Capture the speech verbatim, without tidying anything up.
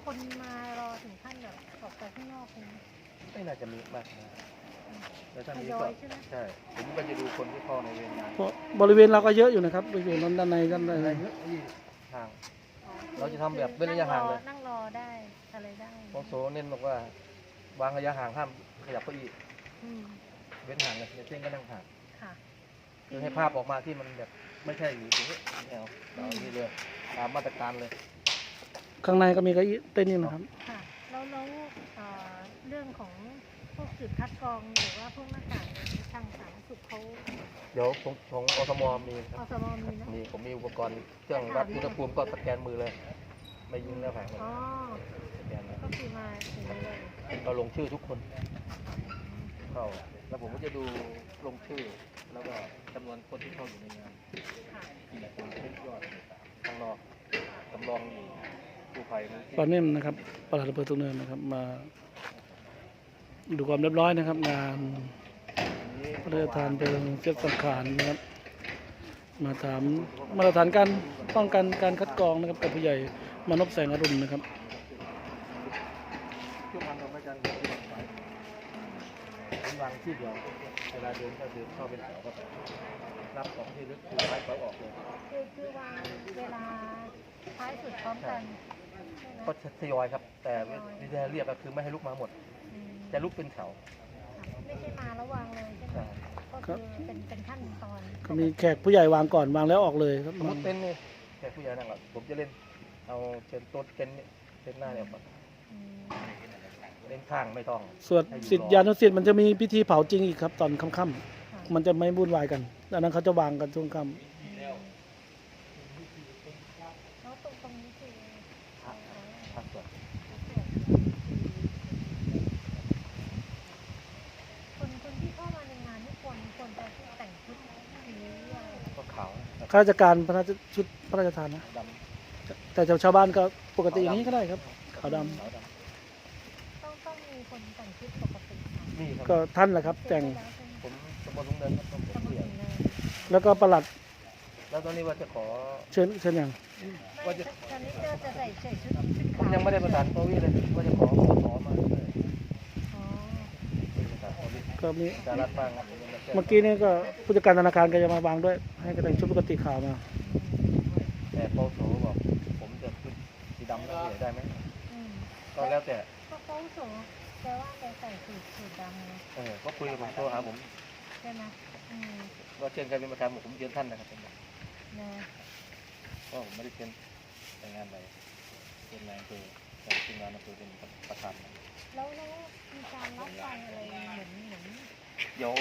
คนมารอถึงขั้นแบบออกไปข้างนอกเลยไม่น่าจะมีมากนะแล้วถ้าทมียอก็ยใช่ไหมใช่ผมก็จะดูคนที่เข้าในเวรงานเพราะบริเวณเราก็เยอะอยู่นะครับบริเวณนั้นด้านในด้านในอะไรเยอะที่ทาง เราจะทำแบบเว้นระยะห่างเลยนั่งรอได้อะไรได้โอโซเน้นบอกว่าวางระยะห่างห้ามขยับเก้าอี้อืมเว้นห่างเลยในเส้นก็นั่งห่างค่ะคือให้ภาพออกมาที่มันแบบไม่ใช่อยู่ตรงนี้ไม่เอาเอาอย่างนี้เลยตามมาตรการเลยข้างในก็มีเก้าอี้เต้นอยู่นะครับค่ะแล้วแล้วเอ่อเรื่องของพวกจุดคัดกรองหรือว่าพวกหน้ากากเนี่ยทางสาธารณสุขเขาเดี๋ยวของของอสมมีคอรับสมมีนะมีผมมีอุปกรณ์เครื่องวัดอุณหภูมิก็สแกนมือเลย ไม่ยิงแล้วผ่านเลยอ๋อสแกนเลยก็คือมาถึงนี้เลยเราลงชื่อทุกคนเข้าแล้วผมก็จะดูลงชื่อ แล้วก็จำนวนคนที่เข้าอยู่ในงานค่ะกี่คนเป็นยอดข้างนอกจำลองอยู่ผู้ภัยมูลที่ตอนนี้นะครับปลัดอำเภอตุงเนินนะครับ มาดูความเรียบร้อยนะครับ งานพระราชทานเพลิงเทียบสังขารนะครับ มาถามมาตรฐานการป้องกันการคัดกรองนะครับกับผู้ใหญ่มานพแสงอรุณนะครับช่วงวันเราไม่จันทร์ที่วางไว้ผมวางที่เดียวเวลาเดินก็เดินเข้าเป็นแถวก็รับของที่ลึกคือไม้เขาออกเลยคือคือวางเวลาท้ายสุดพร้อมกันใช่ไหมก็ทยอยครับ แต่วิธีเรียกก็คือไม่ให้ลุกมาหมดอืมจะลุกเป็นแถวค่ะไม่ใช่มาแล้ววางเลยใช่ไหมใช่ก็คือเป็นเป็นขั้นตอนก็มีแขกผู้ใหญ่วางก่อนวางแล้วออกเลยครับสมมติเต็นท์นี่แขกผู้ใหญ่นั่งหลังผมจะเล่นเอาเต็นท์โต๊ะเต็นท์นี่เต็นท์หน้าเนี่ยก่อนอืมเล่นข้างไม่ต้องส่วนสิทธิยานุสิทธิ์มันจะมีพิธีเผาจริงอีกครับ ตอนค่ำค่ะๆมันจะไม่วุ่นวายกันดังนั้นเขาจะวางกันช่วงค่ำแล้วตรงตรงนี้คือเอาเอาพักก่อนคนคนที่เข้ามาในงานนี่ควรควรจะแต่งชุดสีอะไรก็ขาวข้าราชการพระราชชุดพระราชทานนะดแต่ชาวบ้านก็ปกติอย่างนี้ก็ได้ครับขาวดำำขาวดต้องต้องมีคนแต่งชุดปกติค่ะำนี่ครับก็ท่านแหละครับ แต่งผมสมบูรณ์ลุงเดินครับผมสมุผู้ดใหญ่เลยแล้วก็ประหลัดแล้วตอนนี้ว่าจะขอเชิญเชิญอย่างไม่ตอนนี้เจอจะใส่ใส่ชุดชุดผมขาวยังไม่ได้ประสานโควิดเลยว่าจะขอขอมาด้วยอ๋อประสานโควิดก็มีสารัฐบ้างครับผมยังไม่แจ้งเมื่อกี้นี่ก็ผู้จัดการธนาคารก็จะมาวางด้วย ให้ก็แต่งชุดปกติขาวมาแต่โปโสบอกผมจะชุดสีดำแล้วใหญ่ได้ไหมอืมก็แล้วแต่ก็เขาสูงแปลว่าแกใส่สูทสูทดำไงเออก็คุยกับผมโทรหาผมใช่ไหมอืมว่าเชิญใครเป็นประธานบอกผมเชิญท่านนะครับเป็นนะก็ผมไม่ได้เชิญแต่งงานอะไรเชิญนายอำเภอแต่ทีมงานอำเภอเป็นประธานแล้วแล้วมีการรับฟังอะไรเหมือนเหมือนเดี๋ยว